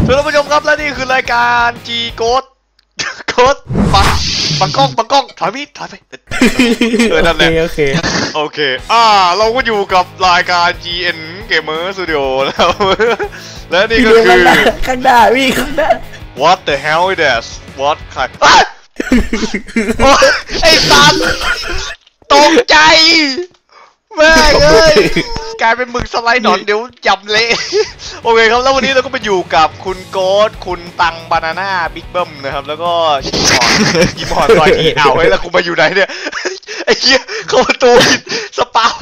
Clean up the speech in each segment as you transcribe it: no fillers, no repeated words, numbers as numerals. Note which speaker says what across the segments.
Speaker 1: ท่านผู้ชมครับและนี่คือรายการ G Ghost บังกล้องถอยไปนั่นแหละ
Speaker 2: โอเค
Speaker 1: เราก็อยู่กับรายการ GN Gamer Studio นะครับและนี่ก็คือ
Speaker 2: ข้างหน้าพี่ข้างหน้า
Speaker 1: What the hell is that What ใครไอ้สัตว์ตกใจแม่เอ้ยกลายเป็นมึงสไลด์หนอนเดี๋ยวจำเละโอเคครับแล้ววันนี้เราก็มาอยู่กับคุณโก๊ตคุณตังบานาน่าบิ๊กเบิ้มนะครับแล้วก็ยิมฮอนซอยทีเอาไว้แล้วกูมาอยู่ไหนเนี่ยไอ้เหี้ยเข้าประตูผิดสเปา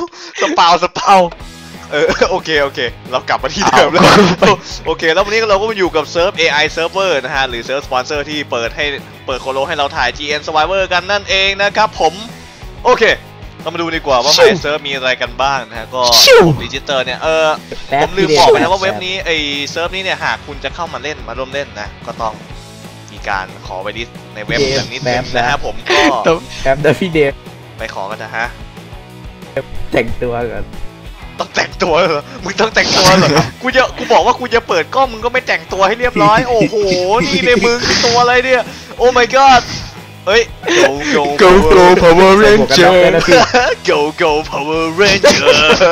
Speaker 1: โอเคเรากลับมาที่เดิมแล้วโอเคแล้ววันนี้เราก็มาอยู่กับเซิร์ฟ AI Server นะฮะหรือเซิร์ฟสปอนเซอร์ที่เปิดโคโลให้เราถ่าย GN Survivor กันนั่นเองนะครับผมโอเคเรามาดูดีกว่าว่าในเซิร์ฟมีอะไรกันบ้างนะฮะก็ดิจิเตอร์เนี่ยผมลืมบอกไปนะว่าเว็บนี้ไอเซิร์ฟนี้เนี่ยหากคุณจะเข้ามาร่วมเล่นนะก็ต้องมีการขอไว้ลิสต์ในเว็บอย่างนิดนึงนะฮะผมก็
Speaker 2: ครับเดี๋ยวพี่เดฟ
Speaker 1: ไปขอกันนะฮะ
Speaker 2: แต่งตัวก่อน
Speaker 1: ต้องแต่งตัวเหรอมึงต้องแต่งตัวเหรอกูบอกว่ากูจะเปิดกล้องมึงก็ไม่แต่งตัวให้เรียบร้อยโอ้โหนี่เลยมึงตัวอะไรเนี่ยโอ้ my god เฮ้ย
Speaker 2: go Power Ranger
Speaker 1: go Power Ranger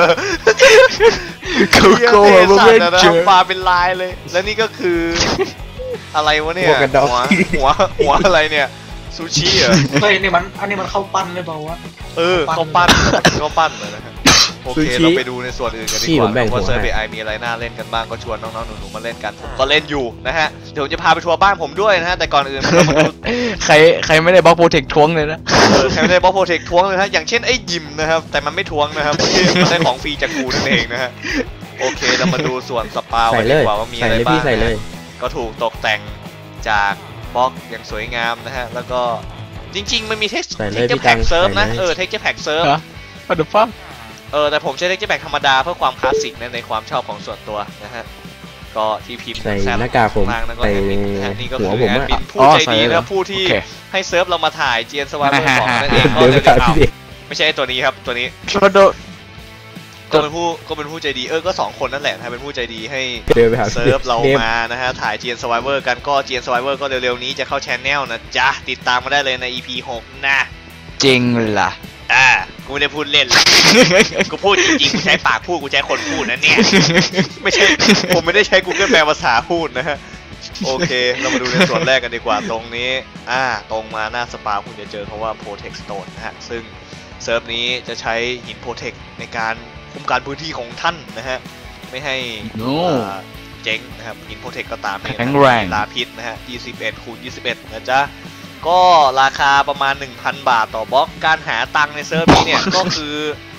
Speaker 2: go Power Ranger
Speaker 1: ปลาเป็นลายเลยแล้วนี่ก็คืออะไรวะเนี่ยหัวอะไรเนี่ยซูชิเหรอ
Speaker 3: เฮ้ยนี่มันอันนี้มันข้าวปั้นเลยเปล่าวะ
Speaker 1: ข้าวปั้นเลยนะฮะโอเคเราไปดูในส่วนอื่นกันดีกว่าว่าเซิร์ฟ AI มีอะไรน่าเล่นกันบ้างก็ชวนน้องๆหนูๆมาเล่นกันผมก็เล่นอยู่นะฮะเดี๋ยวจะพาไปทัวร์บ้านผมด้วยนะฮะแต่ก่อนอื่น
Speaker 2: ใครไม่ได้บล็อกโปรเทคท้วงเลยนะ
Speaker 1: ใครไม่ได้บล็อกโปรเทคท้วงเลยฮะอย่างเช่นไอ้ยิมนะครับแต่มันไม่ท้วงนะครับมันได้ของฟรีจากกูนั่นเองนะฮะโอเคเรามาดูส่วนสปากันดีกว่าว่ามีอะไรบ้างก็ถูกตกแต่งจากบล็อกอย่างสวยงามนะฮะแล้วก็จริงๆมันมีเท็กซ์แพ็กเซิร์ฟนะเท็กซ์แพ็กเซิร์ฟ
Speaker 2: what the fuck
Speaker 1: แต่ผมใช้เท็กซ์แพ็กธรรมดาเพื่อความคลาสสิกในความชอบของส่วนตัวนะฮะก็ที่พิมพ์
Speaker 2: ใส่หน้ากากผม
Speaker 1: ใส่นี่ก็คือแอดมินผู้ใจดีนะผู้ที่ให้เซิร์ฟเรามาถ่าย GN Survivor 2นั่นเองก็เลยไม่ใช่ตัวนี้ครับตัวนี้ก็เป็นผู้ใจดีก็2คนนั่นแหละนะเป็นผู้ใจดีให้เซิร์ฟเรามานะฮะถ่าย GN Survivor กันก็ GN Survivor ก็เร็วๆนี้จะเข้าช anel นะจ๊ะติดตามมาได้เลยใน EP 6นะ
Speaker 2: จริงล่ะ
Speaker 1: กูไม่ได้พูดเล่นกูพูดจริงๆกูใช้ปากพูดกูใช้คนพูดนะเนี่ยไม่ใช่ผมไม่ได้ใช้ Google แปลภาษาพูดนะฮะโอเคเรามาดูในส่วนแรกกันดีกว่าตรงนี้ตรงมาหน้าสปาคุณจะเจอคำว่า Protect Stone นะฮะซึ่งเซิร์ฟนี้จะใช้หิน Protect ในการคุ้มกันพื้นที่ของท่านนะฮะไม่ให้เจ๊งนะครับหิน Protect ก็ตามนี่ลาพิษนะฮะ21x21นะจ๊ะก็ราคาประมาณ 1,000 บาทต่อบล็อกการหาตังค์ในเซิร์ฟนี้เนี่ยก็คือ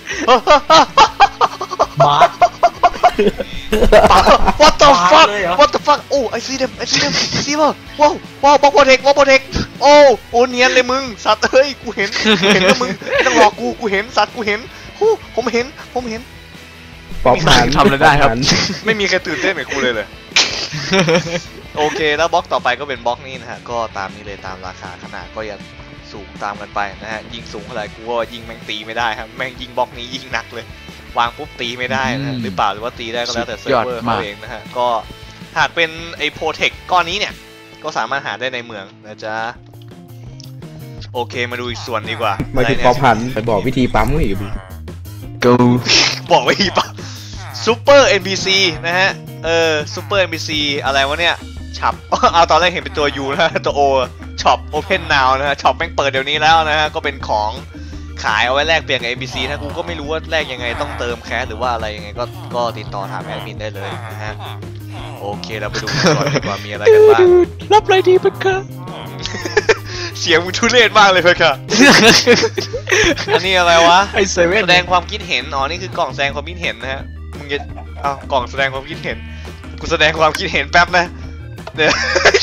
Speaker 1: What the fuck โอ้ I see them see ป่ะว้าวบล็อกโปรเทคโอ้เนียนเลยมึงสัตว์เฮ้ยกูเห็นแล้วมึงไม่ต้องหลอกกูเห็นสัตว์กูเห็นผมเห็น
Speaker 2: ป๊อปทำอะไรได้ครับ
Speaker 1: ไม่มีใครตื่นเต้นเหมือนกูเลยโอเคแล้วบล็อกต่อไปก็เป็นบล็อกนี้นะฮะก็ตามนี้เลยตามราคาขนาดก็ยังสูงตามกันไปนะฮะยิ่งสูงเท่าไหร่กูก็ยิ่งแม่งตีไม่ได้ครับแม่งยิงบล็อกนี้ยิ่งหนักเลยวางปุ๊บตีไม่ได้นะหรือเปล่าหรือว่าตีได้ก็แล้วแต่เซิร์ฟเวอร์เขาเองนะฮะก็หากเป็นไอ้โปรเทคก้อนนี้เนี่ยก็สามารถหาได้ในเมืองนะจ๊ะโอเคมาดูอีกส่วนดีกว่า
Speaker 2: มาที่ป๊อปพันไปบอกวิธีปั๊มอีก
Speaker 1: go บอกวิธีปั๊มซูเปอร์ NPC นะฮะซูเปอร์ NPC อะไรวะเนี่ยช็อปเอาตอนแรกเห็นเป็นตัว U นะตัว O ช็อป Open Now นะฮะช็อปแม่งเปิดเดี๋ยวนี้แล้วนะฮะก็เป็นของขายเอาไว้แลกเปลี่ยนกับ NPC นะกูก็ไม่รู้ว่าแลกยังไงต้องเติมแคสหรือว่าอะไรยังไงก็ติดต่อถามแอดมินได้เลยนะฮะโอเคเราไปดูก่อนดีกว่ามีอะไรกันบ้าง
Speaker 2: รับอะไรดีเพื่อนค่ะ
Speaker 1: เสียงมึงทุเรศมากเลยเพื่อนค่ะอันนี้อะไรวะแสดงความคิดเห็นนี่คือกล่องแสดงความคิดเห็นนะฮะมึงจะกล่องแสดงความคิดเห็นกูแสดงความคิดเห็นแป๊บนะเดี๋ยว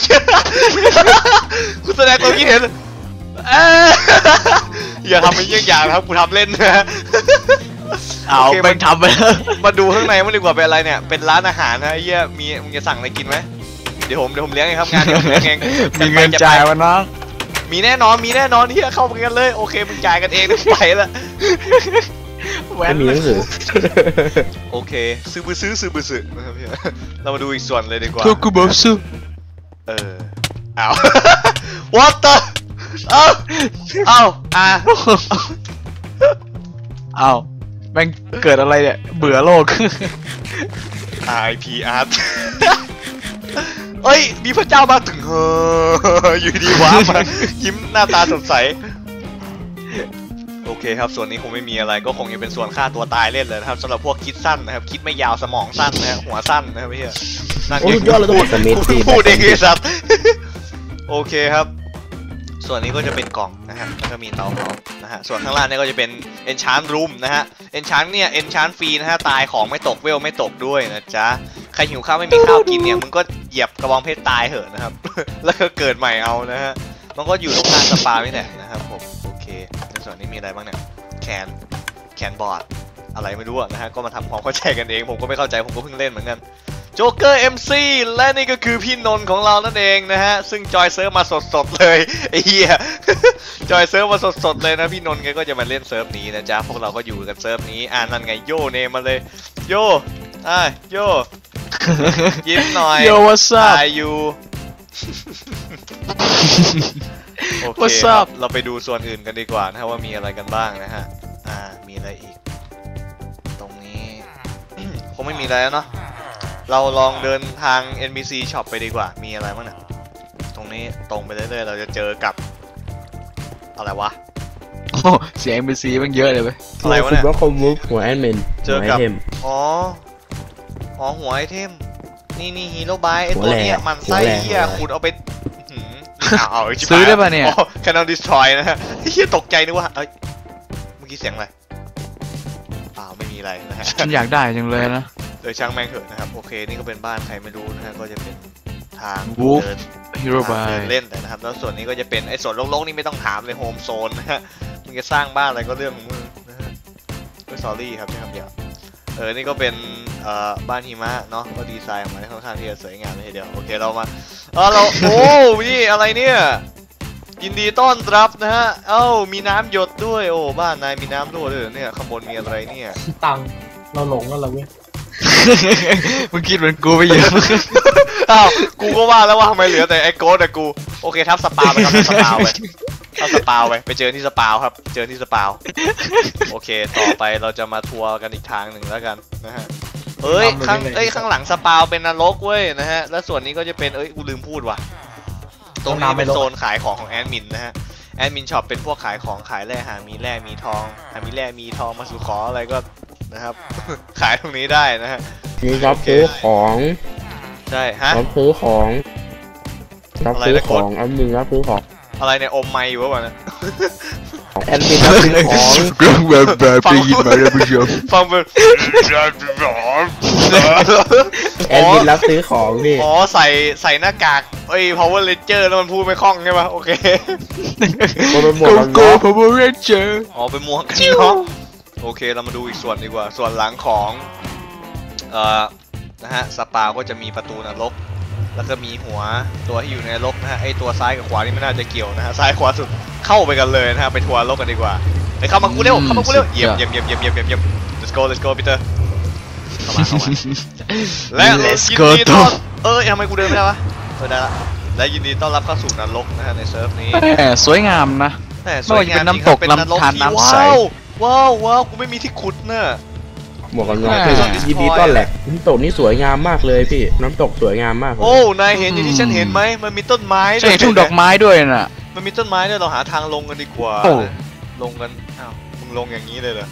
Speaker 1: กูแสดงความคิดเห็นอย่าทำเป็นอย่างครับกูทำเล่นนะ
Speaker 2: ไปทำไป
Speaker 1: มาดูข้างในมันดีกว่าเป็นอะไรเนี่ยเป็นร้านอาหารนะเหี้ยมึงจะสั่งอะไรกินไหมเดี๋ยวผมเลี้ยงเองครับงานเดี๋ยวผมเลี้ยงเอง
Speaker 2: มีเงินจ่ายวะน้อง
Speaker 1: มีแน่นอนที่เข้าไปกันเลยโอเคมึงจ่ายกันเองไปละ
Speaker 2: ไปไม่มีหนังสือ
Speaker 1: โอเคซื้อบื้อซื้อนะครับพี่เรามาดูอีกส่วนเลยดีกว่า
Speaker 2: โทกุโบซุ
Speaker 1: อ้าว what the เอ้า
Speaker 2: อ้าวแม่งเกิดอะไรเนี่ยเบื่อโลก
Speaker 1: RIP Art เอ้ยมีพระเจ้ามาถึงอยู่ดีว้ามายิ้มหน้าตาสดใสโอเคครับส่วนนี้คงไม่มีอะไรก็คงจะเป็นส่วนฆ่าตัวตายเล่นเลยนะครับสำหรับพวกคิดสั้นนะครับคิดไม่ยาวสมองสั้นนะหัวสั้นนะครับพี่นั่น
Speaker 2: โอ้ยยอดเลยต้องสมิธ
Speaker 1: พูดเองไอ้สัตว์โอเคครับส่วนนี้ก็จะเป็นกล่องนะฮะแล้วก็มีเตาเผานะฮะส่วนข้างล่างเนี่ยก็จะเป็น enchant room นะฮะ enchant เนี่ย enchant ฟรีนะฮะตายของไม่ตกเวลไม่ตกด้วยนะจ๊ะใครหิวข้าวไม่มีข้าวกินเนี่ยมึงก็เหยียบกระบองเพชรตายเหอะนะครับ แล้วก็เกิดใหม่เอานะฮะมันก็อยู่ตรงกลางสปาไม่แหละนะครับผมโอเคในส่วนนี้มีอะไรบ้างเนี่ยแคนบอร์ดอะไรไม่รู้นะฮะก็มาทำความเข้าใจกันเองผมก็ไม่เข้าใจผมก็เพิ่งเล่นเหมือนกันโจ๊กเกอร์ MC และนี่ก็คือพี่นนท์ของเรานั่นเองนะฮะซึ่งจอยเซิร์ฟมาสดๆเลยไอ้เหี้ย จอยเซิร์ฟมาสดๆเลยนะพี่นนท์แกก็จะมาเล่นเซิร์ฟนี้นะจ๊ะพวกเราก็อยู่กันเซิร์ฟนี้นั่นไงโยเนมมาเลยโยโย ยิ้มหน่อย
Speaker 2: Yo what's up
Speaker 1: ถ่ายอยู่ โอเค
Speaker 2: What's
Speaker 1: ครับ
Speaker 2: up
Speaker 1: เราไปดูส่วนอื่นกันดีกว่านะว่ามีอะไรกันบ้างนะฮะมีอะไรอีกตรงนี้ คงไม่มีอะไรแล้วเนาะเราลองเดินทาง NPC Shop ไปดีกว่ามีอะไรบ้างเนี่ยตรงนี้ตรงไปเรื่อยๆเราจะเจอกับอะไรวะ
Speaker 2: โอ้เสียง NPC มันเยอะเลยเว้ย
Speaker 1: อะไรวะเนี่ย
Speaker 2: ว่าคอมมูฟหัวแอดมิน
Speaker 1: เจอกับอ๋อหัวไอเทมนี่ฮีโร่บายไอตัวเนี้ยมันไส้เหี้ยคุณเอาไปเอา
Speaker 2: ซื้อได้ป่ะเนี่ย
Speaker 1: Canon Destroy นะฮะเหี้ยตกใจนึกว่าเอ้ยเมื่อกี้เสียงอะไรเปล่าไม่มีอะไรนะฮะ
Speaker 2: ฉันอยากได้จังเลยนะ
Speaker 1: โดยช่างแม่งเถอะนะครับโอเคนี่ก็เป็นบ้านใครไม่รู้นะฮะก็จะเป็นทาง
Speaker 2: Wolf
Speaker 1: เดิน
Speaker 2: Hero
Speaker 1: ทาง
Speaker 2: by
Speaker 1: เดินเล่นแต่นะครับแล้วส่วนนี้ก็จะเป็นไอ้ส่วนโล่งๆนี่ไม่ต้องถามเลยโฮมโซนนะฮะมึงจะสร้างบ้านอะไรก็เรื่องของมึงนะฮะก็สอรี่ครับใช่คำเดียวนี่ก็เป็นบ้านหิมะเนาะก็ดีไซน์ออกมาค่อนข้างที่จะสวยงามเลยทีเดียวโอเคเรามาเราโอ้นี่อะไรเนี่ยยินดีต้อนรับนะฮะมีน้ำหยดด้วยโอ้บ้านนายมีน้ำรั่วด้วยเนี่ยข้างบนมีอะไรเนี่ย
Speaker 3: ตังค์เราหลงแล้วเหรอเว้ย
Speaker 2: มึงคิดเหมือนกูไปเยอะ
Speaker 1: กูก็ว่าแล้วว่าทำไมเหลือแต่ไอ้โกดแต่กูโอเคทับสปาไปครับทับสปาไปทับสปาไปเจอที่สปาครับเจอที่สปาโอเคต่อไปเราจะมาทัวร์กันอีกทางหนึ่งแล้วกันนะฮะข้างหลังสปาเป็นนรกเว้ยนะฮะแล้วส่วนนี้ก็จะเป็นกูลืมพูดว่ะตรงนี้เป็นโซนขายของแอดมินนะฮะแอดมินช็อปเป็นพวกขายของขายแร่หามีแร่มีทองหามีแร่มีทองมาสู่ขออะไรก็นะครับ ขายตรงนี้ได้นะฮะ
Speaker 2: มีรับซื้อของ
Speaker 1: ใช่ฮะ
Speaker 2: รับซื้อของรับซื้อของแอดมินรับซื้อของ
Speaker 1: อะไรเนี่ยอมไมค์อยู่วะเนี่ย
Speaker 2: แอดมินรับซื้อของกล้องแบบได้ยินไหมท่านผู้ชม
Speaker 1: ฟังเป็น
Speaker 2: แอดมินรับซื้อของนี่
Speaker 1: ใส่หน้ากากPower Ranger แล้วมันพูดไม่คล่องใช่ปะโอเค
Speaker 2: เป็นหมวกกันน็อก Power Ranger
Speaker 1: เป็นหมวกกันน็อกโอเคเรามาดูอีกส่วนดีกว่าส่วนหลังของนะฮะสปาก็จะมีประตูนรกแล้วก็มีหัวตัวที่อยู่ในนรกนะฮะไอตัวซ้ายกับขวานี่ไม่น่าจะเกี่ยวนะฮะซ้ายขวาสุดเข้าไปกันเลยนะฮะไปทัวร์นรกกันดีกว่าไปเข้ามากูเร็วเยี่ยม let's go Peter เข้ามาและยินดีต้อนทำไมกูเดินไม่ได้วะได้ละและยินดีต้อนรับเข้าสู่นรกนะฮะในเซิร์ฟนี้
Speaker 2: สวยงามนะไม่ว่าจะเป็นน้ำตกลำธารน้ำใส
Speaker 1: ว้าวกูไม่มีที่ขุดเนอะ
Speaker 2: หมวกกันน็อกยินดีต้อนรับน้ำตกนี่สวยงามมากเลยพี่น้ำตกสวยงามมาก
Speaker 1: นายเห็นอย่างที่ฉันเห็นไหมมันมีต้นไม้
Speaker 2: ใช่ทุ่งดอกไม้ด้วยน่ะ
Speaker 1: มันมีต้นไม้ด้วยเราหาทางลงกันดีกว่าลงกันมึงลงอย่างนี้เลยเหรอ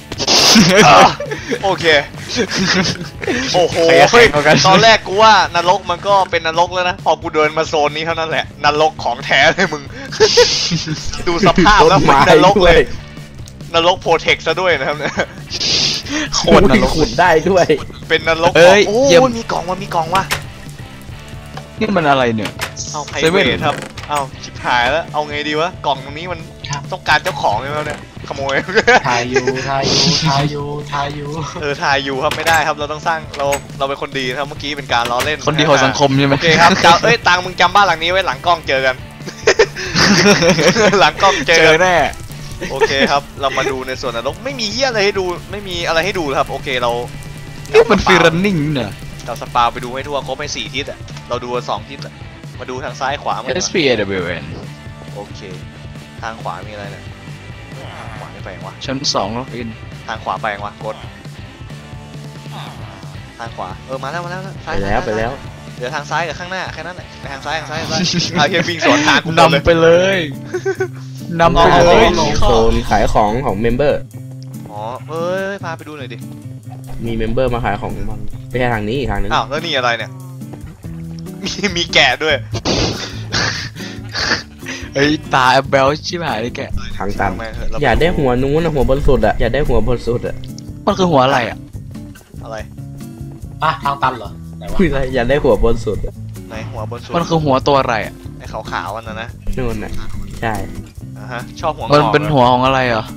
Speaker 1: โอเคโอ้โหตอนแรกกูว่านรกมันก็เป็นนรกแล้วนะพอกูเดินมาโซนนี้เท่านั้นแหละนรกของแท้เลยมึงดูสภาพแล้วเหมือนนรกเลยนรกโปรเทคซะด้วยนะครับเนี่ย
Speaker 2: โคตรนรกขุดได้ด้วย
Speaker 1: เป็นนรกมีกล่องว่ะ
Speaker 2: นี่มันอะไรเนี่ย
Speaker 1: ไพรเวทครับชิบหายแล้วเอาไงดีวะกล่องตรงนี้มันต้องการเจ้าของใช่ไหมเนี่ยขโมย
Speaker 3: ถ่ายอยู่ถ่ายอยู่
Speaker 1: ครับไม่ได้ครับเราต้องสร้างเราเป็นคนดีครับเมื่อกี้เป็นการล้อเล่น
Speaker 2: คนดีของสังคมใช่ไหม
Speaker 1: โอเคครับตังมึงจำบ้านหลังนี้ไว้หลังกล้องเจอกันหลังกล้องเจอ
Speaker 2: แน่
Speaker 1: โอเคครับเรามาดูในส่วนนรกไม่มีเหี้ยอะไรให้ดูไม่มีอะไรให้ดูครับโอเคเรา
Speaker 4: นี่มันฟีรันนิ่งเนี่ย
Speaker 1: เราสปาไปดูให้ทั่วครบไป4 ทิศอ่ะเราดู2 ทิศอ่ะมาดูทางซ้ายขวาหมด
Speaker 4: SPAWN
Speaker 1: โอเคทางขวามีอะไรเนี่ยทางขวาไม่ไปยังวะ
Speaker 4: ชั้น2ล็อกอิน
Speaker 1: ทางขวาไปยังวะกดทางขวามาแล้วซ้าย
Speaker 2: ไปแล้วไปแล้ว
Speaker 1: เหลือทางซ้ายกับข้างหน้าแค่นั้นแหละไปทางซ้ายเอาเฮียวิ่งสวนทางกูหมดเลย
Speaker 4: นำไปเลยนำไปเลย
Speaker 2: โซนขายของของเมมเบอร์
Speaker 1: อ๋อพาไปดูหน่อยดิ
Speaker 2: มีเมมเบอร์มาขายของบ้างไม่ใช่ทางนี้อีกทางนึง
Speaker 1: อ้าวแล้วนี่อะไรเนี่ยมีแกะด้วย
Speaker 4: เฮ้ยตาแบลชิบหายเลยแก
Speaker 2: ทางตัน
Speaker 1: แม่งเถะเร
Speaker 2: อยากได้หัวนู้นนะหัวบนสุดอะอยากได้หัวบนสุดอะ
Speaker 4: มันคือหัวอะไรอ่ะ
Speaker 1: อะไร
Speaker 3: ทางตันเหรอไหนวะ
Speaker 2: คุยอะไรอยากได้หัวบนสุดอะ
Speaker 1: ในหัวบนสุด
Speaker 4: มันคือหัวตัวอะไรอ่ะ
Speaker 1: ไอ้ขาวๆอันนั้นนะ
Speaker 2: นู่นน่ะใช่
Speaker 1: ฮะชอบหัวง
Speaker 4: มัน
Speaker 1: อก
Speaker 4: เป็นหัวของอะไรอ่ะ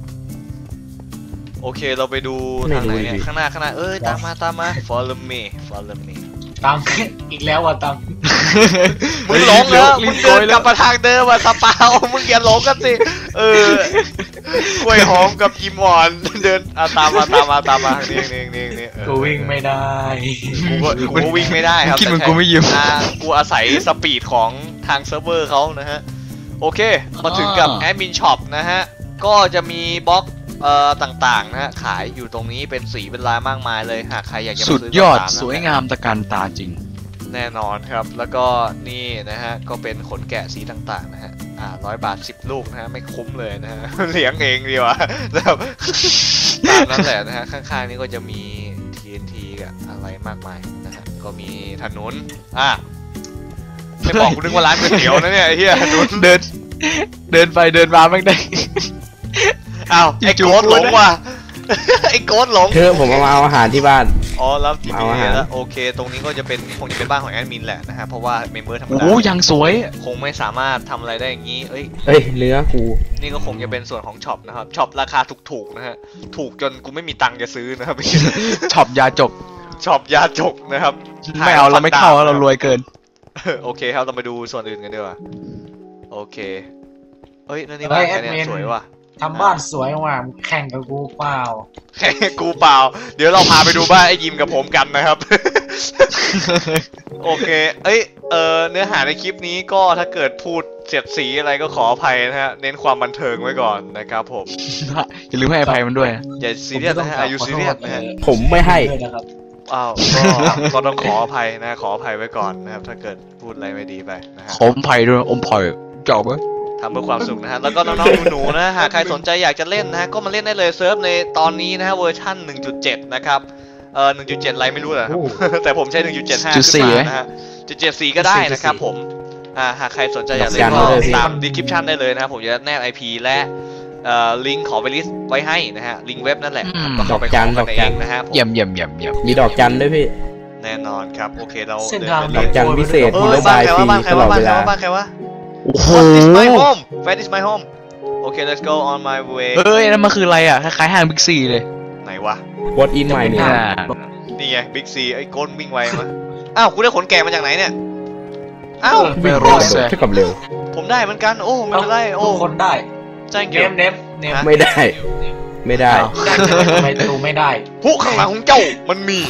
Speaker 1: โอเคเราไปดูทางไหนเนี่ยข้างหน้าตามมา follow me
Speaker 3: ตามอีกแล้วว่ะตาม
Speaker 1: มึงหลงเหรอมึงเดินกลับมาทางเดิมสปาวมึงอย่าหลงกันสิกล้วยหอมกับยิมอ่อนเดินตามมาทางนี้
Speaker 3: กูวิ่งไม่ได้
Speaker 1: กูก็วิ่งไม่ได้ครับ
Speaker 4: คิดเหมือนกูไม่ยิ้ม
Speaker 1: กูอาศัยสปีดของทางเซิร์ฟเวอร์เขานะฮะโอเคมาถึงกับแอดมินช็อปนะฮะก็จะมีบล็อกต่างๆนะฮะขายอยู่ตรงนี้เป็นสีเป็นลายมากมายเลยหากใครอยากจะมา
Speaker 4: สุด
Speaker 1: ซื้อย
Speaker 4: อด
Speaker 1: ก็ตมนะ
Speaker 4: สวยงามตะการตาจริง
Speaker 1: แน่นอนครับแล้วก็นี่นะฮะก็เป็นขนแกะสีต่างๆนะฮะ100 บาท10 ลูกนะฮะไม่คุ้มเลยนะฮะ เลี้ยงเองดีกว่าแบบตามนั้นแหละนะฮะข้างๆนี่ก็จะมี TNT กับอะไรมากมายนะฮะก็มีถนนไม่บอกกูนึกว่าร้านก๋วยเตี๋ยวนะเนี่ยไอ้เหี้ยถนน
Speaker 4: เดินไปเดินมาแม่งได้
Speaker 1: อ้าวไอ้โกดหลงว่ะ ไอ้โกดหลง
Speaker 2: คือผมเอามาเอาอาหารที่บ้าน
Speaker 1: อ๋อแล้วที
Speaker 2: เอาอา
Speaker 1: นี้
Speaker 2: หาร
Speaker 1: แล้วโอเค ตรงนี้ก็จะเป็นคงจะเป็นบ้านของแอดมินแหละนะฮะเพราะว่าเมมเบอร์ธรรม
Speaker 4: โอ้
Speaker 1: ดา
Speaker 4: โหยังสวย
Speaker 1: คงไม่สามารถทำอะไรได้อย่างนี้เอ้ย
Speaker 2: เอ้ยเนื้อกู
Speaker 1: นี่ก็คงจะเป็นส่วนของช็อปนะครับช็อปราคาถูกๆนะฮะถูกจนกูไม่มีตังค์จะซื้อนะครับ
Speaker 4: ช็อปยาจก
Speaker 1: ช็อปยาจกนะครับ
Speaker 4: ไม่เอาเราไม่เข้าเรารวยเกิน
Speaker 1: โอเคครับเรามาดูส่วนอื่นกันดีกว่าโอเคเฮ้ยนั่นนี่บ้านใครเนี่ยสวยว่ะ
Speaker 3: ทำบ้านสวยว่ะแข่งกับกูเปล่า
Speaker 1: แค่กูเปล่า เดี๋ยวเราพาไปดูบ้านไอ้ยิมกับผมกันนะครับ โอเคเอ้ยเนื้อหาในคลิปนี้ก็ถ้าเกิดพูดเสียดสีอะไรก็ขออภัยนะฮะเน้นความบันเทิงไว้ก่อนนะครับผม
Speaker 4: อย่าลืมให้อภัยมันด้วย
Speaker 1: อย่าซีเรียสนะฮะอายุซีเรียสนะฮะ
Speaker 2: ผมไม่ให้
Speaker 3: ด้วยนะครับ
Speaker 1: อ้าวก็ต้องขออภัยนะขออภัยไว้ก่อนนะครับถ้าเกิดพูดอะไรไม่ดีไปนะฮะ
Speaker 4: ขอมไผ่ด้วยอมไผ่เจ้าเบ้ย
Speaker 1: ทำเพื่อความสุขนะฮะแล้วก็น้องๆหนูๆนะหากใครสนใจอยากจะเล่นนะฮะก็มาเล่นได้เลยเซิร์ฟในตอนนี้นะฮะเวอร์ชั่น 1.7 นะครับ1.7 อะไรไม่รู้นะครับ แต่ผมใช้ 1.75 ขึ้นมานะฮะ 1.74 ก็ได้นะครับผมหากใครสนใจอยากเล่นก็ตาม description ได้เลยนะครับผมจะแนบ IP และลิงก์ขอไปลิสต์ไว้ให้นะฮะลิงก์เว็บนั่นแหละก็เข้าไปขอกันเองนะฮะ
Speaker 4: เยี่ยม
Speaker 2: มีดอกจันด้วยพี่
Speaker 1: แน่นอนครับโอเคเรา
Speaker 3: เส้นทาง
Speaker 2: ดอกจันพิเศษ
Speaker 1: เอ
Speaker 2: มี
Speaker 1: อ
Speaker 2: โลบายฟรี
Speaker 1: บ้านใคร
Speaker 2: ตลอ
Speaker 1: วะ
Speaker 2: ดเวลา
Speaker 1: บ้านใครวะ
Speaker 4: โอ้โห
Speaker 1: What is my home Where is my home Okay let's go on my way
Speaker 4: เอ้ยนั่นมันคืออะไรอ่ะคล้ายๆห้างบิ๊กซีเลย
Speaker 1: ไหนวะ
Speaker 2: What in my เนี่ย
Speaker 1: นี่ไงบิ๊กซีไอ้ก้นวิ่งไวมาอ้าวกูได้ขนแกะมาจากไหนเนี่ยอ้าว
Speaker 2: วิ่ง
Speaker 4: ไม่รู้
Speaker 2: เร็วเท่ากับเร็ว
Speaker 1: ผมได้เหมือนกันโอ้ไม่เป็นไรโอ้
Speaker 3: ทุกคนได้
Speaker 1: ใช่เกี่
Speaker 3: เน
Speaker 1: ยว
Speaker 3: มเนมเนม
Speaker 2: ไม่ได้ ไม่ได้
Speaker 3: ได้ทำไมตูไม่ได้
Speaker 1: ผู้ข้างหลังของเจ้ามันมี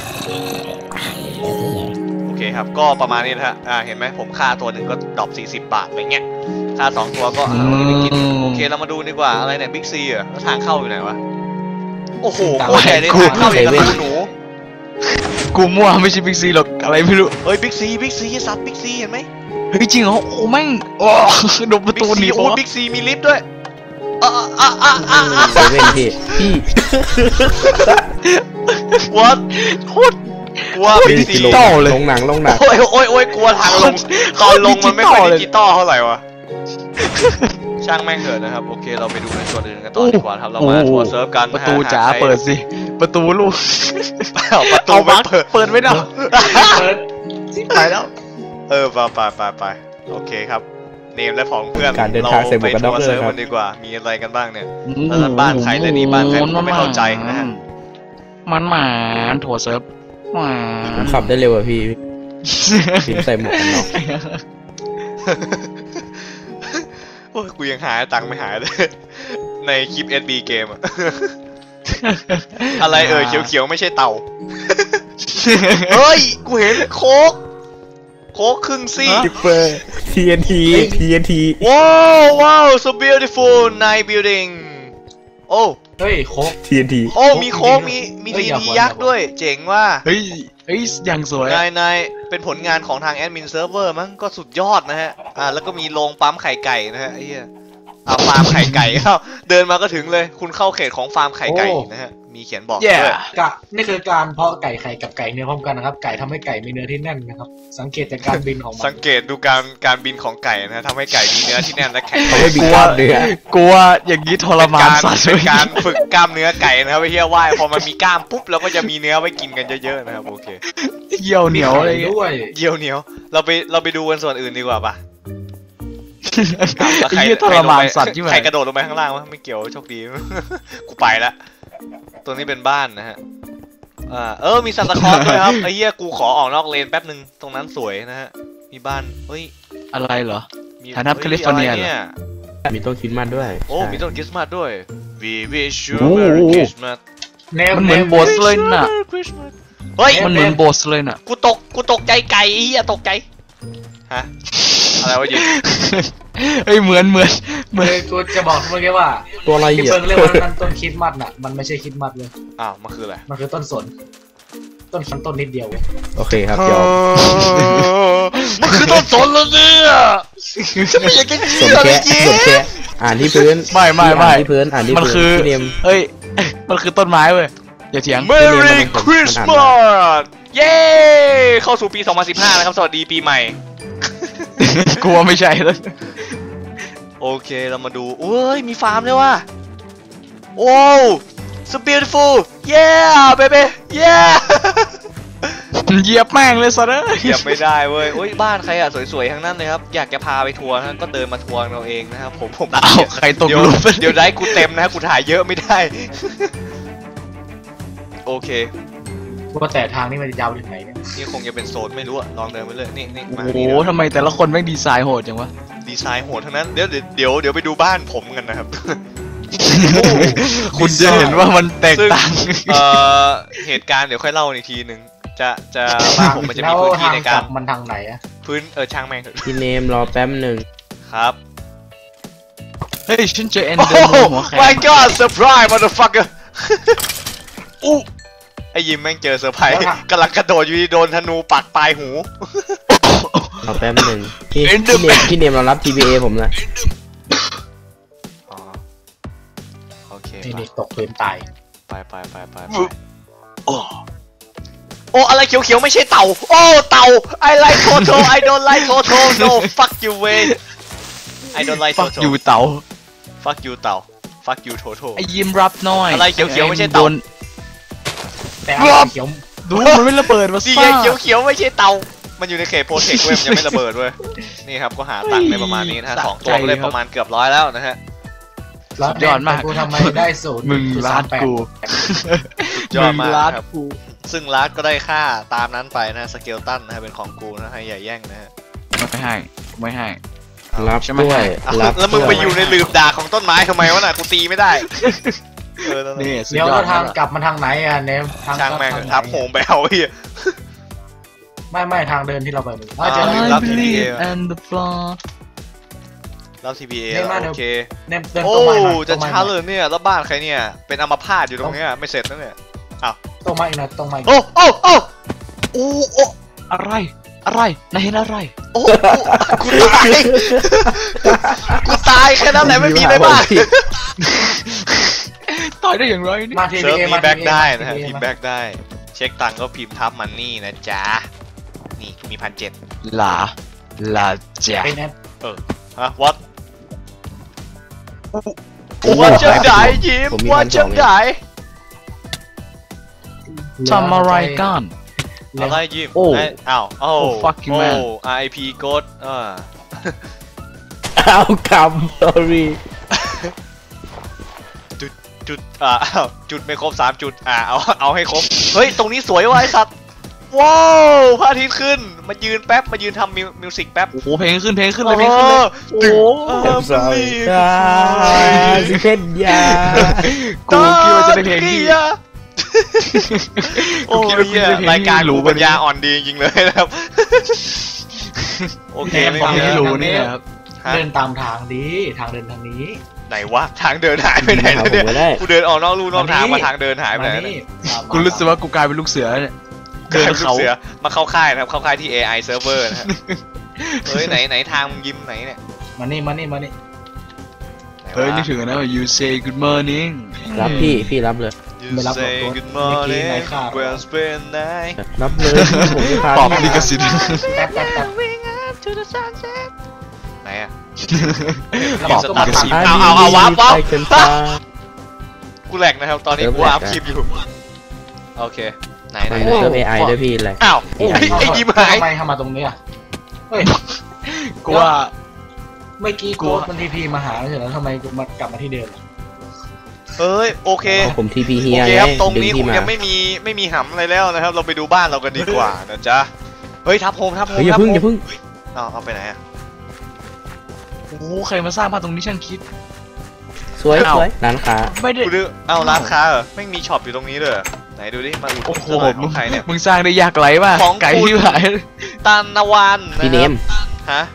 Speaker 1: โอเคครับก็ประมาณนี้นะฮะเห็นไหมผมค่าตัวหนึ่งก็ดรอป40 บาทอะไรเงี้ยค่า2 ตัวก็วันนี้ไปกินโอเคเรามาดูดีกว่าอะไรเนี่ยบิ๊กซีเหรอแล้วทางเข้าอยู่ไหนวะโอ้โหโคตรใหญ่เลยทางเข้าอย่างกับรูหนู
Speaker 4: กูมั่วไม่ใช่บิ๊กซีหรอกอะไรไม่รู้
Speaker 1: เฮ้ยบิ๊กซีซับบิ๊กซีเห็นไหม
Speaker 4: เฮ้ยจริงเหรอโอ้แม่งโอ้โดนประ
Speaker 1: บิ๊
Speaker 4: ตู
Speaker 1: ก
Speaker 4: ห
Speaker 1: ซี
Speaker 4: นี
Speaker 1: โอ้
Speaker 4: ปะ
Speaker 1: บิ๊กซีมีลิฟต์ด้วย
Speaker 2: เซเว่นพี่พี่
Speaker 1: What
Speaker 4: โคตร
Speaker 1: กลัวบิ๊กซี
Speaker 4: ดิจิตอลเลย
Speaker 2: ลงหนัง
Speaker 1: โอ้ยกลัวทางลงตอนลงมันไม่ค่อยดิจิตอลเท่าไหร่วะช่างแม่งเถอะนะครับโอเคเราไปดูในส่วนอื่นกันต่อดีกว่าครับเรามาทัวร์เซิร์ฟกัน
Speaker 4: ประตูจ๋าเปิดสิประตูลูก
Speaker 1: ประตู
Speaker 4: เอา
Speaker 1: ไม่
Speaker 4: บัก
Speaker 1: เปิด
Speaker 4: เปิดไม่ได้
Speaker 3: เปิด
Speaker 4: ไปแล้ว
Speaker 1: ไปโอเคครับเนมและของเพื่อน
Speaker 2: การเดินทางเสร็จหมดกัน
Speaker 1: ทัวร์เซิร์ฟ
Speaker 2: ครับ
Speaker 1: กันดีกว่ามีอะไรกันบ้างเนี่ย แล้วนั่นบ้านใครเลยนี่บ้านใครผมก็ไม่เข้าใจนะฮะ
Speaker 4: มันหมาถั่วเซิร์ฟหมา
Speaker 2: ผมขับได้เร็วอะพี่พี่ใส่หมวกกันน็อก
Speaker 1: โอ้ยกูยังหาตังค์ไม่หายเลยในคลิป SB เกมอะ อะไรเขียวๆไม่ใช่เต่า เฮ้ย กูเห็นโค้กครึ่งซี่
Speaker 2: คิปเปอร์ TNT
Speaker 1: ว้าว so beautiful night building โอ้
Speaker 3: เฮ้ยโคก
Speaker 2: TNT
Speaker 1: โอ้มีโค้กมี
Speaker 3: เฮ้ย
Speaker 1: ที
Speaker 3: อย่า
Speaker 1: ที
Speaker 3: บ่น
Speaker 1: ยักษ์ด้วย เจ๋งว่า
Speaker 4: เฮ้ยอย่างสวย
Speaker 1: นายเป็นผลงานของทางแอดมินเซิร์ฟเวอร์มั้งก็สุดยอดนะฮะแล้วก็มีโรงปั๊มไข่ไก่นะฮะไอ้เหี้ยฟาร์มไข่ไก่เดินมาก็ถึงเลยคุณเข้าเขตของฟาร์มไข่ไก่นะฮะมีเขียนบอกด้วย
Speaker 3: นี่คือการเพาะไก่ไข่กับไก่เนื้อพร้อมกันนะครับไก่ทำให้ไก่มีเนื้อที่แน่นนะครับสังเกตจากการบินของมัน
Speaker 1: สังเกตดูการบินของไก่นะฮะทำให้ไก่มีเนื้อที่แน่นและแข็ง
Speaker 2: เขาไม่มีกล้ามเนื้อก
Speaker 4: ลัวอย่างนี้ทรมานสัตว์
Speaker 1: เป็นการฝึกกล้ามเนื้อไก่นะครับไอ้เหี้ยว่ายพอมันมีกล้ามปุ๊บเราก็จะมีเนื้อไว้กินกันเยอะๆนะครับโอเค
Speaker 4: เหี่ยวเหนียวอะไรเงี้ย
Speaker 3: ด้วย
Speaker 1: เยี่ยวเหนียวเราไปดูกันส่วนอื่นดีกว่าปะ
Speaker 4: ไอ้เหี้ยทรมานสัตว์ที่ไหน
Speaker 1: ใครกระโดดลงไปข้างล่างวะไม่เกี่ยวโชคดี กูไปละตัวนี้เป็นบ้านนะฮะมีซานตาคลอสด้วยครับไอ้เหี้ยกูขอออกนอกเลนแป๊บนึงตรงนั้นสวยนะฮะมีบ้านเฮ้ย
Speaker 4: อะไรเหรอ
Speaker 1: มี
Speaker 4: ฐานะแคลิฟอร์เนียเหรอ
Speaker 1: ฮ้ะ
Speaker 2: มีต้นคริสต์มาสด้วย
Speaker 1: โอ้มีต้นคริสต์มาสด้วย We wish you
Speaker 2: โอ้โห
Speaker 1: Merry Christmas
Speaker 4: มันเหมือนโบสเลยน่ะ
Speaker 1: Merry Christmas เฮ้ย
Speaker 4: มันเหมือนโบสเลยน่ะ
Speaker 1: กูตกใจไก่ไอ้เหี้ยตกใจฮะอะไรวะยิง
Speaker 4: เฮ้ยเหมือน
Speaker 3: กูจะบอกเมื่อกี้ว่า
Speaker 2: ตัวอะไร
Speaker 3: ที่
Speaker 2: อ่ะ
Speaker 3: เพิ่งเรียกว่านั่นต้นคริสต์มาสน่ะมันไม่ใช่คริสต์มาสเลย
Speaker 1: อ้าวมันคืออะไร
Speaker 3: มันคือต้นสนต้นนิดเดียวเว้ย
Speaker 2: โอเคครับยอม
Speaker 1: มันคือต้นสนแล้วเนี่ยฉันไม่อยากจะ
Speaker 2: ส
Speaker 1: เชื่
Speaker 2: ม
Speaker 1: อเล
Speaker 2: แค่
Speaker 1: ยเย้
Speaker 2: สมแค่อ่านที่พื้น
Speaker 4: ไม่
Speaker 2: อ่านที่พื้นอ่านที่
Speaker 4: มัน
Speaker 2: พื้น
Speaker 4: คือ
Speaker 2: พี่เนม
Speaker 4: เฮ้ยมันคือต้นไม้เว้ยอย่าเถียง
Speaker 1: เมรี่คริสต์มาสเย้เข้าสู่ปี 2015แล้วครับสวัสดีปีใหม่
Speaker 4: กลัวไม่ใช่แล้ว
Speaker 1: โอเคเรามาดูโอ้ยมีฟาร์มด้วยว่ะโอ้ so beautiful yeah baby yeah
Speaker 4: เหยียบแม่งเลยสัตว์เอ้ย
Speaker 1: เหยียบไม่ได้เว้ยโอ้ยบ้านใครอ่ะสวยๆทั้งนั้นเลยครับอยากจะพาไปทัวร์นะก็เดินมาทัวร์เราเองนะครับผม
Speaker 4: อ้าวใครตก
Speaker 1: เดี๋ยว
Speaker 4: หลุม
Speaker 1: เดี๋ยวได้กูเต็มนะกูถ่ายเยอะไม่ได้ โอเค
Speaker 3: ว่าแต่ทางนี้มันจะยาวถึงไหนเนี่ย
Speaker 1: นี่คงจะเป็นโซนไม่รู้อะลองเดินไปเลยนี่มา
Speaker 4: โอ้โห
Speaker 1: นี่นะ
Speaker 4: ทำไมแต่ละคนแม่งดีไซน์โหดจังวะ
Speaker 1: ดีไซน์โหดทั้งนั้นเดี๋ยวไปดูบ้านผมกันนะครับ
Speaker 4: คุณจะเห็นว่ามันแตก
Speaker 1: ซึ่ง
Speaker 4: ต่าง
Speaker 1: เหตุการณ์เดี๋ยวค่อยเล่าอีกทีนึงจะบ้านผมมันจะมีพื้นที่ในการ
Speaker 3: มันทางไหนอะ
Speaker 1: ช่างแม่งเถอะ
Speaker 2: พี่เนมรอแป๊บหนึ่ง
Speaker 1: ครับ
Speaker 4: เฮ้ยฉันเจอเอ็น
Speaker 1: โอ้
Speaker 4: เดอร์มูนหัวแข็ง
Speaker 1: my god surprise motherfucker อู้ไอ้ยิมแม่งเจอเซอร์ไพรส์กำลังกระโดดอยู่ดีโดนธนูปักปลายหู
Speaker 2: รอแป๊บหนึ่งพี่เนมรอรับ TBA ผมนะ
Speaker 1: อ๋อโอเค
Speaker 3: นี่เด็กตกพื้นตาย
Speaker 1: ไปโอ้อะไรเขียวๆไม่ใช่เต่าโอ้เต่า I like Toto I don't like Toto no fuck you way I don't like
Speaker 4: ฟัก
Speaker 1: Toto
Speaker 4: อยู่เต๋า
Speaker 1: fuck you เต่า fuck you Toto
Speaker 4: ไอ้ยิ้มรับหน่อย
Speaker 1: อะไรเขียวๆไม่ใช่เต่า
Speaker 4: โดน
Speaker 3: แต่อะไรเขียว
Speaker 4: ดูมันไม่ระเบิดมา
Speaker 1: ดี
Speaker 4: ซ่า
Speaker 1: ไงเขียวๆไม่ใช่เต่ามันอยู่ในเขตโปรเทคเว้ยมันยังไม่ระเบิดเว้ยนี่ครับก็หาตังค์ได้ประมาณนี้นะฮะ2ตัวก็ได้ประมาณเกือบ100แล้วนะฮะ
Speaker 3: แล้วกูทำไมได้ศูนย์
Speaker 4: มึงลาดกู
Speaker 1: ยอดมาก
Speaker 4: งลาด
Speaker 1: ครับ
Speaker 4: กู
Speaker 1: ซึ่งลัดก็ได้ค่าตามนั้นไปนะสเกลตันนะฮะเป็นของกูนะให้อย่าแย่งนะฮะ
Speaker 4: ไม่ให้
Speaker 2: รับ
Speaker 4: ใช่ไหม
Speaker 2: ด้วย
Speaker 1: เอา
Speaker 2: รับ
Speaker 1: แล้วมึงไปอยู่ในหลืบด่าของต้นไม้ทำไมวะน่ะกูตีไม่ได้นั่น
Speaker 4: นี่
Speaker 1: น่ะ
Speaker 4: สุด
Speaker 3: เดี๋ยวย
Speaker 4: อ
Speaker 3: แล้
Speaker 4: ด
Speaker 3: วทางกลับมันทางไหนอะเนมทาง
Speaker 1: ช่างแม่ง
Speaker 3: ทางไหน
Speaker 1: ทับโหมไปเอาไอ้เหี้ย
Speaker 3: ไม่ทางเดินที่เราไปมึง
Speaker 1: อ่า
Speaker 3: เจอ
Speaker 1: รั
Speaker 3: แล้ว
Speaker 1: บ TBA
Speaker 4: and the floor
Speaker 1: รับ TBA
Speaker 3: เดินมา
Speaker 1: โอเค
Speaker 3: เนมเดิน
Speaker 1: โอ้
Speaker 3: ตรงมาหน่อย
Speaker 1: จะ
Speaker 3: ตรงมา
Speaker 1: ช้าเลยเนี่ยแล้วบ้านใครเนี่ยเป็นอัมพาตอยู่ตรงเนี้ยไม่เสร็จนะเนี่ย
Speaker 3: ตรงมาอีกหน่อยตรงมาอีก
Speaker 1: โอ้โอ้โอ้โอ้โอ้
Speaker 4: อะไรนายเห็นอะไร
Speaker 1: โอ้กูตายกูตายแค่นั้นแหละไม่มีอะไรมาก
Speaker 4: ตายได้อย่างไรนี่
Speaker 3: มาที
Speaker 1: เซิร์ฟ
Speaker 3: เอ
Speaker 1: มี
Speaker 3: มา
Speaker 1: แบ็กได้นะฮะ
Speaker 3: ที
Speaker 1: พิมพ์แบ็กได้เช็คตังค์ก็พิมพ์ทับมันนี่นะจ๊ะนี่มี1,700
Speaker 4: ลาจ้ะ
Speaker 3: เป็นแอป
Speaker 1: ฮะ what ว่าจังไดยิ้มว่าจังได
Speaker 4: ทำอะไรกัน
Speaker 1: อะไรยิ้ม
Speaker 2: โอ้
Speaker 1: อ้าวโอ้
Speaker 4: Oh, fucking man
Speaker 1: RIP โกด
Speaker 2: เอาคำ sorry
Speaker 1: จุดอ้าวจุดไม่ครบ3จุดเอาให้ครบเฮ้ยตรงนี้สวยว่ะไอ้สัตว์ว้าวพระอาทิตย์ขึ้นมายืนแป๊บมายืนทำมิวสิกแป๊บ
Speaker 4: โอ้โหเพลงขึ้นเลยเพลงขึ้นเลยโอ้โห
Speaker 2: สิเพชรยา
Speaker 4: กูคิดว่าจะได้เพลงที่
Speaker 1: โอ้ยรายการรู้ปัญญาอ่อนดีจริงๆเลยนะครับโอเคไม่
Speaker 4: ฟัง
Speaker 1: มี
Speaker 4: ไม่รู้นี่ครับ
Speaker 3: เดินตามทางดีทางเดินทางนี้
Speaker 1: ไหนวะทางเดินหายไปไหนแล้วเนี่ยกูเดินออกนอกลู่นอกทางมาทางเดินหายไป
Speaker 3: มา
Speaker 1: ไหน
Speaker 3: นี่
Speaker 4: กูรู้สึกว่ากูกลายเป็นลูกเสือเนี่ยเดินเขา
Speaker 1: เสือมาเข้าค่ายนะครับเข้าค่ายที่ AI server นะฮะเฮ้ยไหนทางมึงยิ้มไหนเนี่ย
Speaker 3: มานี่
Speaker 1: ไหนวะ
Speaker 4: เฮ้ยนึกถึงนะว่า you say good morning
Speaker 2: รับพี่รับเลย
Speaker 1: You
Speaker 3: ไม่รับหรอก
Speaker 1: say
Speaker 3: ตัว
Speaker 1: good
Speaker 3: เมื่อกี้
Speaker 1: morning
Speaker 3: นายฆ่า
Speaker 1: well spent night
Speaker 2: รับเลยผมจะพา
Speaker 4: ตอบลิขสิทธิ์
Speaker 3: แป๊บ
Speaker 1: ไหนอะ
Speaker 3: แล้วบอกก็มาตัด
Speaker 1: เอาวับ
Speaker 2: ไปกันตา
Speaker 1: กูแหลกนะครับตอนนี้กูอัพคลิปอยู่โอเคไหน
Speaker 2: มันเซิร์ฟ AI ด้วยพี่อะไร
Speaker 1: อ้าวไอ้ยิ้มหาย
Speaker 3: ทำไมทำมาตรงนี้อ่ะเฮ้ย
Speaker 4: กูว่า
Speaker 3: เมื่อกี้โกดมันทีพีมาหาแล้วเสร็จแล้วทำไมกูมากลับมาที่เดิม
Speaker 1: เอ้ยโอเค
Speaker 2: ผมทีพีเฮี
Speaker 1: โอย เค
Speaker 2: ไง
Speaker 1: ครับตรง
Speaker 2: ดึง
Speaker 1: นี้ค
Speaker 2: ที่
Speaker 1: ง
Speaker 2: มา
Speaker 1: ยังไม่มีหำอะไรแล้วนะครับ เราไปดูบ้านเรากันดีกว่านะจ๊ะเฮ้ยทับโฮม
Speaker 2: เฮ้ยอย่า
Speaker 1: ทับ
Speaker 2: พึ่ง
Speaker 1: โฮ
Speaker 2: อย่าม พึ่ง
Speaker 1: เอาไปไหนอะ
Speaker 4: โอ้โหใครมาสร้างบ้านตรงนี้ช่างคิด
Speaker 2: สวยสวยร้านค้า
Speaker 4: ไม่ได้
Speaker 1: กูดูเอาร้านค้าเหรอไม่มีช็อปอยู่ตรงนี้เลยเหรอไหนดูดิมาอุดหนุ
Speaker 4: โอ้
Speaker 1: น
Speaker 4: โห
Speaker 1: เสื้อหน่อยของใครเนี่ย
Speaker 4: มึงสร้างได้ยากไรมาก
Speaker 1: ของ
Speaker 4: ไก่
Speaker 1: คุณ
Speaker 4: ที่หาย
Speaker 1: ตานนวันนะ
Speaker 2: พี่เนม
Speaker 1: ฮะ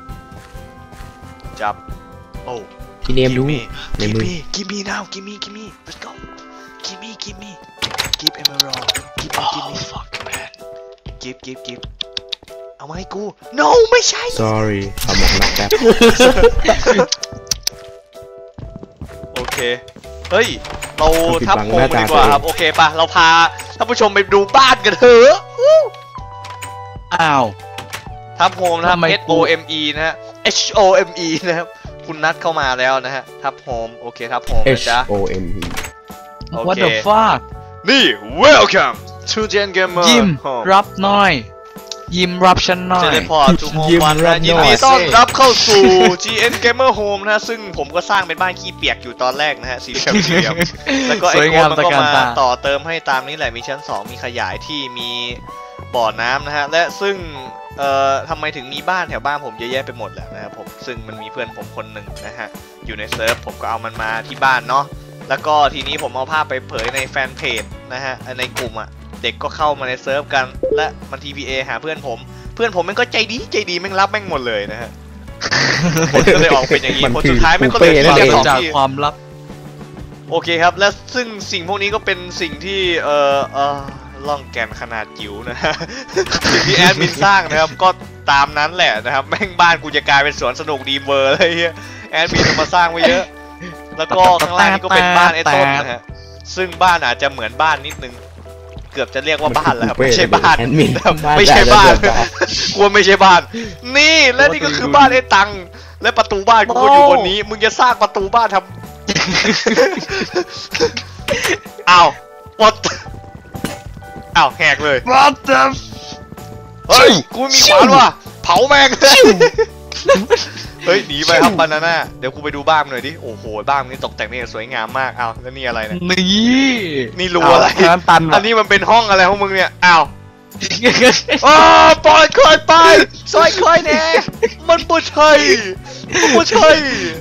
Speaker 1: จับโอ้
Speaker 2: พี่เนมดูในมือ
Speaker 1: give me now give me let's go give me give emerald give me
Speaker 4: fuck man
Speaker 1: give เอามาให้กู no ไม่ใช่
Speaker 2: sorry เอาหมวกน็อกแป๊บ
Speaker 1: โอเค เฮ้ย เราทับโฮมกันดีกว่าครับ โอเคป่ะ เราพาท่านผู้ชมไปดูบ้านกันเถอะ
Speaker 4: อ้าว
Speaker 1: ทับโฮมนะครับ
Speaker 4: ทำไม
Speaker 1: S O M E นะฮะ H O M E นะครับ คุณนัดเข้ามาแล้วนะฮะ ทับโฮม โอเค ทับโฮมนะ
Speaker 2: H
Speaker 1: จ๊ะ
Speaker 2: O M E
Speaker 1: โอเค
Speaker 4: what the fuck
Speaker 1: นี่ welcome to Gen Gamer
Speaker 4: ยิ้ม
Speaker 1: Home
Speaker 4: รับหน่อย ยิ้มรับฉันหน่อ
Speaker 1: เจ
Speaker 4: ย
Speaker 1: เลพอร์ตทูโฮม
Speaker 2: ยิ้ม
Speaker 1: วัน
Speaker 2: รั
Speaker 1: นะ
Speaker 2: บ
Speaker 1: ยิน
Speaker 2: หน่
Speaker 1: ดี
Speaker 2: อย
Speaker 1: ต้อนรับเข้าสู่ GN Gamer Home นะฮะ ซึ่งผมก็สร้างเป็นบ้านขี้เปียกอยู่ตอนแรกนะฮะ สี่เหลี่ยม แล้วก็ไอ้
Speaker 4: สวย
Speaker 1: โค้
Speaker 4: งา
Speaker 1: ด
Speaker 4: ม
Speaker 1: มัน
Speaker 4: ตระ
Speaker 1: ก็
Speaker 4: การ
Speaker 1: มา
Speaker 4: ตา
Speaker 1: ต่อเติมให้ตามนี้แหละ มีชั้น 2 มีขยายที่มีบ่อน้ำนะฮะ และซึ่งทำไมถึงมีบ้านแถวบ้านผมเยอะแยะไปหมดแหละนะครับผม ซึ่งมันมีเพื่อนผมคนหนึ่งนะฮะ อยู่ในเซิร์ฟ ผมก็เอามันมาที่บ้านเนาะ แล้วก็ทีนี้ผมเอาภาพไปเผยในแฟนเพจนะฮะ ในกลุ่มอะเด็กก็เข้ามาในเซิร์ฟกัน และมัน TPA หาเพื่อนผมแม่งก็ใจดีแม่งรับแม่งหมดเลยนะฮะ ผลก็เลยออกเป็นอย่างนี้
Speaker 2: มัน
Speaker 1: ผล
Speaker 2: คือ
Speaker 1: สุดท้ายแม่งก็เลย
Speaker 2: บุฟเฟ่ต์นั่นเอง
Speaker 1: สอง
Speaker 4: จาก
Speaker 1: ที่
Speaker 4: ความลับ
Speaker 1: โอเคครับ และซึ่งสิ่งพวกนี้ก็เป็นสิ่งที่ล่องแก่นขนาดจิ๋วนะฮะ สิ่งที่แอดมินสร้างนะครับ ก็ตามนั้นแหละนะครับ แม่งบ้านกูจะกลายเป็นสวนสนุกดีเวอร์เลยเฮียแอดมินเอามาสร้างไว้เยอะ แล้วก็ข้างล่างนี่ก็เป็นบ้านไอ้ต้นนะฮะ ซึ่งบ้านอาจจะเหมือนบ้านนิดนึง เกือบจะเรียกว่าบ้านแล้วครับไม่ใช่บ้าน
Speaker 2: แอดมิน
Speaker 1: ไม่ใช่บ้าน
Speaker 2: บ้าน
Speaker 1: กลัวไม่ใช่บ้าน นี่และนี่ก็คือบ้านไอ้ตัง และประตูบ้านกูก็อยู่บนนี้ มึงจะสร้างประตูบ้านทำ อ้าววัดอ้าวแหกเลย
Speaker 4: what the
Speaker 1: เฮ้ย กูมีขวานว่ะ เผาแม่ง เฮ้ย หนีไปครับบานาน่า เดี๋ยวกูไปดูบ้านหน่อยดิ โอ้โห บ้านนี้ตกแต่งนี่สวยงามมาก อ้าว แล้วนี่อะไรเนี่ย
Speaker 4: นี่
Speaker 1: นี่รูอะไร
Speaker 4: น้ำตัน
Speaker 1: อันนี้มันเป็นห้องอะไรของมึงเนี่ย อ้าวอ้าปล่อยคอยไปซอยคอยแน่มันบ่ใช่มันบ่ใช่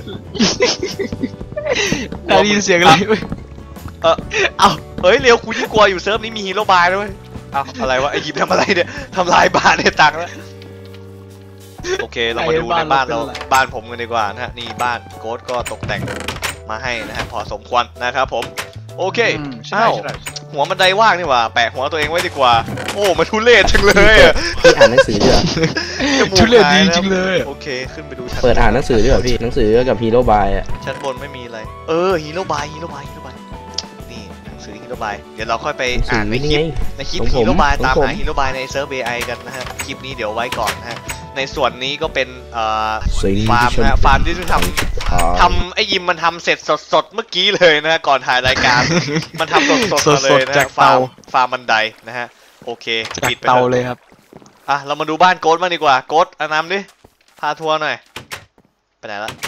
Speaker 4: ได้ยินเสียงอะไรเว้ย
Speaker 1: เอาเฮ้ยเร็วกูยิ่งกลัวอยู่เซิร์ฟนี้มีฮีโร่บายด้วยเอาอะไรวะไอ้ยิบทำอะไรเนี่ยทำลายบ้านในตังค์แล้วโอเคเรามาดูในบ้านเราบ้านผมกันดีกว่านะฮะนี่บ้านโค้ดก็ตกแต่งมาให้นะฮะพอสมควรนะครับผมโอเค
Speaker 4: ใช่
Speaker 1: อ้าว
Speaker 4: ใช่
Speaker 1: หัวบันไดว่างนี่หว่าแปะหัวตัวเองไว้ดีกว่าโอ้มันทุเรศจังเลยอะ
Speaker 2: พี่อ่านหนังสือด้วยเหรอ
Speaker 1: จมูก
Speaker 4: ทุเรศดี
Speaker 1: หายนะ
Speaker 4: จริงเลย
Speaker 1: โอเคขึ้นไปดูชั้น
Speaker 2: เปิดอ่านหนังสือด้วยเหรอพี่หนังสือกับฮีโร่บายอ่ะ
Speaker 1: ชั้นบนไม่มีอะไรฮีโร่บายนี่หนังสือฮีโร่บายเดี๋ยวเราค่อยไป
Speaker 2: หนังสื
Speaker 1: อ่า
Speaker 2: อน
Speaker 1: ในค
Speaker 2: นี่
Speaker 1: ลิป
Speaker 2: ไง
Speaker 1: ในคลิป
Speaker 2: ของผม
Speaker 1: ฮีโร่บาย
Speaker 2: ของ
Speaker 1: ตาม
Speaker 2: ผม
Speaker 1: หาฮีโร่บายในเซิร์ฟ AI กันนะฮะคลิปนี้เดี๋ยวไว้ก่อนนะฮะในส่วนนี้ก็เป็น
Speaker 2: สิ่ง
Speaker 1: ฟาร์ม
Speaker 2: ที่ฉั
Speaker 1: นะฮะฟาร์มที่เพิ่งทำไอ้ยิมมันทำเสร็จสดๆเมื่อกี้เลยนะฮะก่อนถ่ายรายการ มันทำสดๆมาเลยนะ
Speaker 4: จา
Speaker 1: ฮะ
Speaker 4: กเตา
Speaker 1: ฟาร์มบันไดนะฮะโอเค
Speaker 4: จาก
Speaker 1: ปิดไป
Speaker 4: เตา
Speaker 1: ถอะ
Speaker 4: เลยครับ
Speaker 1: อ่ะเรามาดูบ้านโกดมางดีกว่าโกดอานำดิพาทัวร์หน่อยไปไหนละ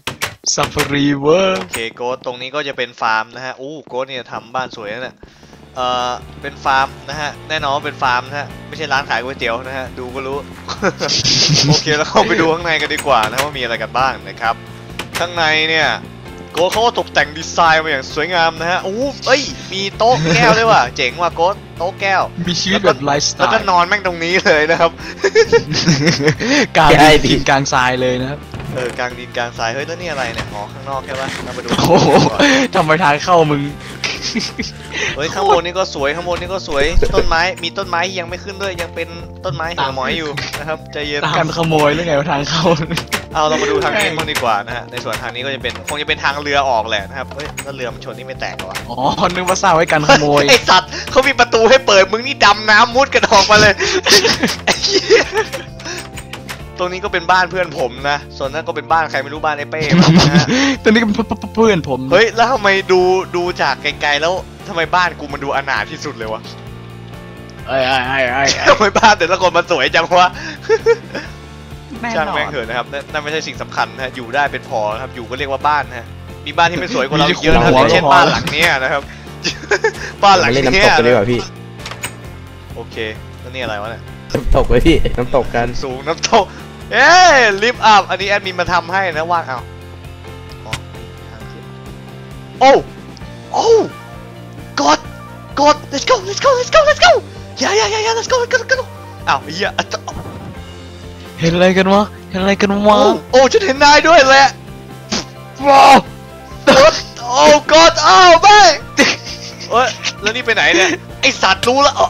Speaker 4: ซัฟฟารีเวอร์
Speaker 1: โอเคโกดตรงนี้ก็จะเป็นฟาร์มนะฮะโกดเนี่ยทำบ้านสวยนะเนี่ยเป็นฟาร์มนะฮะแน่นอนว่าเป็นฟาร์มนะฮะไม่ใช่ร้านขายก๋วยเตี๋ยวนะฮะดูก็รู้ โอเคแล้วเข้าไปดูข้างในกันดีกว่านะว่ามีอะไรกันบ้างนะครับข้างในเนี่ยโก้เขาก็ตกแต่งดีไซน์มาอย่างสวยงามนะฮะโอ้เอ้ยมีโต๊ะแก้วด้วยว่ะเจ๋งว่ะโก้โต๊ะแก้ว
Speaker 4: มีชีวิตแบบไลฟ์สไต
Speaker 1: แล้วก็
Speaker 4: ล์
Speaker 1: นอนแม่งตรงนี้เลยนะครับ
Speaker 4: กลางดินกลางทรายเลยนะครับ
Speaker 1: กลางดินกลางทรายเฮ้ยแล้วนี่อะไรเนี่ยอ๋อข้างนอกใช่ปะเรามาดู
Speaker 4: โอ้โหทำไมทางเข้ามึง
Speaker 1: เฮ้ยข้างบนนี่ก็สวยข้างบนนี่ก็สวยต้นไม้มีต้นไม้ยังไม่ขึ้นด้วยยังเป็นต้นไม้หัวหมอยอยู่นะครับใจเย็น
Speaker 4: การขโมยหรือไงว่าทางเข้า
Speaker 1: เอาเรามาดูทางนี้บ้างดีกว่านะฮะในส่วนทางนี้ก็จะเป็นคงจะเป็นทางเรือออกแหละนะครับเฮ้ยแล้วเรือมันชนนี่ไม่แตกเหรอวะ
Speaker 4: อ๋อนึกว่าสร้างไว้กันขโมย
Speaker 1: ไอสัตว์เขามีประตูให้เปิดมึงนี่ดำน้ำมุดกันออกมาเลย ไอ้เหี้ยตรงนี้ก็เป็นบ้านเพื่อนผมนะส่วนนั้นก็เป็นบ้านใครไม่รู้บ้านไอ้เป้นะฮะ
Speaker 4: ตอนนี้ก็เป็นเพื่อนผม
Speaker 1: เฮ้ยแล้วทำไมดูจากไกลๆแล้วทำไมบ้านกูมันดูอนาถที่สุดเลยวะ
Speaker 4: ไอ้
Speaker 1: ทำไมบ้านแต่ละคนมันสวยจังวะ
Speaker 4: แน่น
Speaker 1: ช่าง
Speaker 4: อ
Speaker 1: แม่ง
Speaker 4: น
Speaker 1: เถอะนะครับนั่นไม่ใช่สิ่งสำคัญนะฮะอยู่ได้เป็นพอครับอยู่ก็เรียกว่าบ้านนะฮะมีบ้านที่ไม่สวยกว่าเราอีกเยอะนะครับอย่างเช่นบ้านหลังเนี้ยนะครับ บ้านหลัง
Speaker 2: มาเล่น
Speaker 1: เนี้
Speaker 2: น้ำต
Speaker 1: ย
Speaker 2: กกันดีกว่าพี่
Speaker 1: โอเคแล้วนี่อะไรวะเนี่ย
Speaker 2: น้ำตกไว้พี่น้ำตกกัน
Speaker 1: สูงน้ำตกเอ้ยลิฟต์อัพอันนี้แอดมินมาทำให้นะว่างเอาอ๋อทางขึ้นโอ้โอ้กด let's go let's go let's go let's go อย่า let's go let's go อ้าวเหี้ย
Speaker 4: เห็นอะไรกันวะเห็นอะไรกันวะ
Speaker 1: โอ้ฉันเห็นนายด้วยแหละว้าวโอ้กดอ้าวแม่เอ้ยแล้วนี่ไปไหนเนี่ยไอสัตว์รู้แล้ว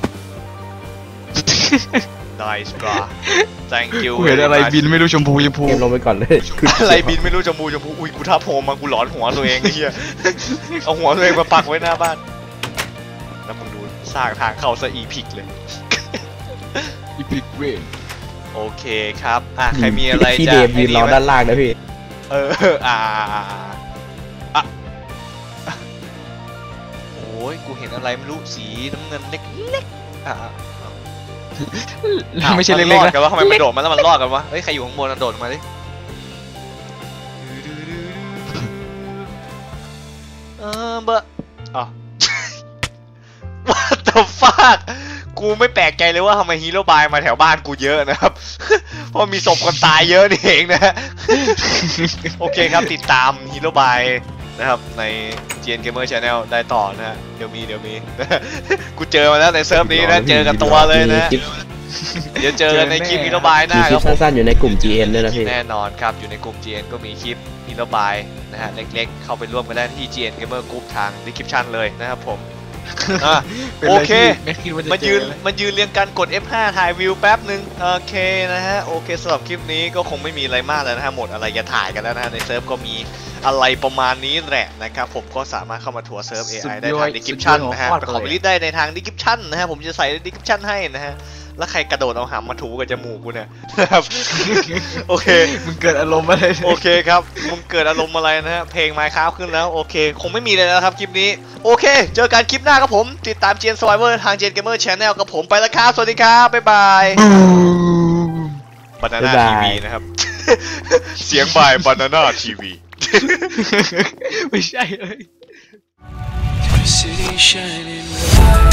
Speaker 1: nice bra thank you
Speaker 4: กูเห็นอะไรบินไม่รู้ชมพู
Speaker 2: เกมลงไปก่อนเลย
Speaker 1: อะไรบินไม่รู้จมูกอุ้ยกูทับโฮมมากูหลอนหัวตัวเองไอ้เหี้ยเอาหัวตัวเองมาปักไว้หน้าบ้านแล้วมึงดูสร้างทางเข้าซะอีพิกเลย
Speaker 4: อีพิกเวน
Speaker 1: โอเคครับใครมีอะไร
Speaker 2: พี่
Speaker 1: จะ
Speaker 2: เดมยืนรอด้านล่างนะพี่
Speaker 1: โอ้ยกูเห็นอะไรไม่รู้สีน้ำเงินเล็กๆ
Speaker 4: ไม่ใช่เล็กๆ
Speaker 1: ๆ
Speaker 4: นะ
Speaker 1: กันว่าทำไมมันโดดมาแล้วมันรอดกันวะเฮ้ยใครอยู่ข้างบนโดดมาดิเบอร์อ๋อ What the fuck กูไม่แปลกใจเลยว่าทำไมฮีโร่บายมาแถวบ้านกูเยอะนะครับ เพราะมีศพคนตายเยอะนี่เองนะ โอเคครับติดตามฮีโร่บายนะครับใน GN Gamer Channel ได้ต่อนะฮะเดี๋ยวมี กูเจอมาแล้วในเซิร์ฟนี้นะเจอกันตัวเลยนะ เดี๋ยวเจอกันในคลิปฮีโร่บายห
Speaker 2: มี
Speaker 1: น้า
Speaker 2: ค
Speaker 1: ค
Speaker 2: ลิ
Speaker 1: รั
Speaker 2: ป
Speaker 1: บผม
Speaker 2: สั้นๆอยู่ในกลุ่ม GN ด้วยนะพี่
Speaker 1: แน่นอนครับอยู่ในกลุ่ม GN ก็มีคลิปฮีโร่บายนะฮะเล็กๆเข้าไปร่วมกันได้ที่ GN Gamer Group ทาง description เลยนะครับผม โอเค
Speaker 4: ไม่คิดว่าจะ
Speaker 1: มายืนเรียงกันกด F5 ถ่ายวิวแป๊บหนึ่งโอเคนะฮะโอเคสำหรับคลิปนี้ก็คงไม่มีอะไรมากแล้วนะฮะหมดอะไรจะถ่ายกันแล้วนะฮะในเซิร์ฟก็มีอะไรประมาณนี้แหละนะครับผมก็สามารถเข้ามาทัวร์เซิร์ฟ AI ได้ทาง description นะฮะไปขอไปลิสต์ได้ในทาง description นะฮะผมจะใส่ใน description ให้นะฮะแล้วใครกระโดดเอาหำมาถูกับจมูกกูเนี่ยนะครับ โอเค
Speaker 4: มึงเกิดอารมณ์อะไร
Speaker 1: โอเคครับมึงเกิดอารมณ์อะไรนะฮะเพลง Minecraft ขึ้นแล้วโอเคคงไม่มีเลยแล้วครับคลิปนี้โอเคเจอกันคลิปหน้าครับผมติดตาม GN Survivor ทาง GN Gamer Channel กับผมไปแล้วครับสวัสดีครับบ๊ายบาย Banana
Speaker 2: บ๊ายบาย
Speaker 1: TV นะครับ เสียงบ่าย Banana TV
Speaker 4: ไม่ใช่เลย
Speaker 5: City shining bright.